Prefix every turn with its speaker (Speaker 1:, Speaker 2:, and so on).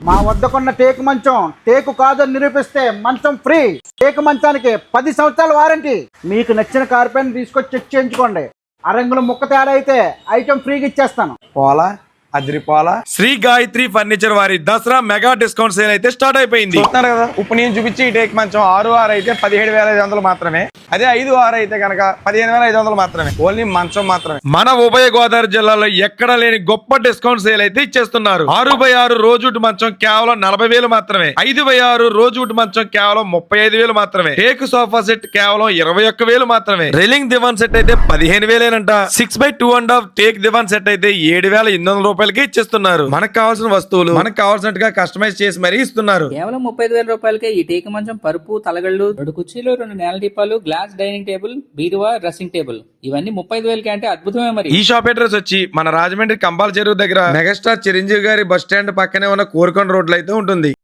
Speaker 1: మా వద్దకున్న టేకు మంచం టేకు కాదని నిరూపిస్తే మంచం ఫ్రీ. టేకు మంచానికి 10 సంవత్సరాల వారంటీ. మీకు నచ్చిన కార్పెట్ తీసుకొచ్చి చెక్ చేయించుకోండి. అరంగుల ముక్క తేడా అయితే ఐటమ్ ఫ్రీగా ఇచ్చేస్తాను.
Speaker 2: పోలా అదిరిపోలా.
Speaker 3: శ్రీ గాయత్రి ఫర్నిచర్ వారి దసరా మెగా డిస్కౌంట్ సేల్ అయితే స్టార్ట్ అయిపోయింది.
Speaker 2: చూస్తున్నారు కదా, ఇప్పుడు నేను చూపించి ఈ టేక్ మంచం 6 అయితే 17,500 మాత్రమే. అదే 5 అయితే కనుక 15,500 మాత్రమే. ఓన్లీ మంచం మాత్రమే.
Speaker 3: మన ఉభయ గోదావరి జిల్లాలో ఎక్కడ లేని గొప్ప డిస్కౌంట్ సేల్ అయితే ఇచ్చేస్తున్నారు. 6x6 రోజుటి మంచం కేవలం 40,000 మాత్రమే. 5x6 రోజుటి మంచం కేవలం 35,000 మాత్రమే. టేక్ సోఫా సెట్ కేవలం 21,000 మాత్రమే. రైలింగ్ దివాన్ సెట్ అయితే 15,000 6x2.5 టేక్ దివాన్ సెట్ అయితే 7,800 రూపాయలకి ఇచ్చేస్తున్నారు. మనకు కావాల్సిన వస్తువులు మనకు కావాల్సినట్టుగా కస్టమైజ్ చేసి మరీ ఇస్తున్నారు.
Speaker 4: కేవలం 35,000 రూపాయలకే ఈ టేకు మంచం, పరుపు, తలగళ్ళు, 2 కుర్చీలు, 2 నేల దీపాలు, గ్లాస్ డైనింగ్ టేబుల్, బీరువా, డ్రెస్సింగ్ టేబుల్ ఇవన్నీ 35,000కి అంటే అద్భుతమే. మరి
Speaker 3: ఈ షాప్ అడ్రస్ వచ్చి మన రాజమండ్రి కంబాల చెరువు దగ్గర మెగాస్టార్ చిరంజీవి గారి బస్ స్టాండ్ పక్కనే ఉన్న కోరుకొండ రోడ్లో అయితే ఉంటుంది.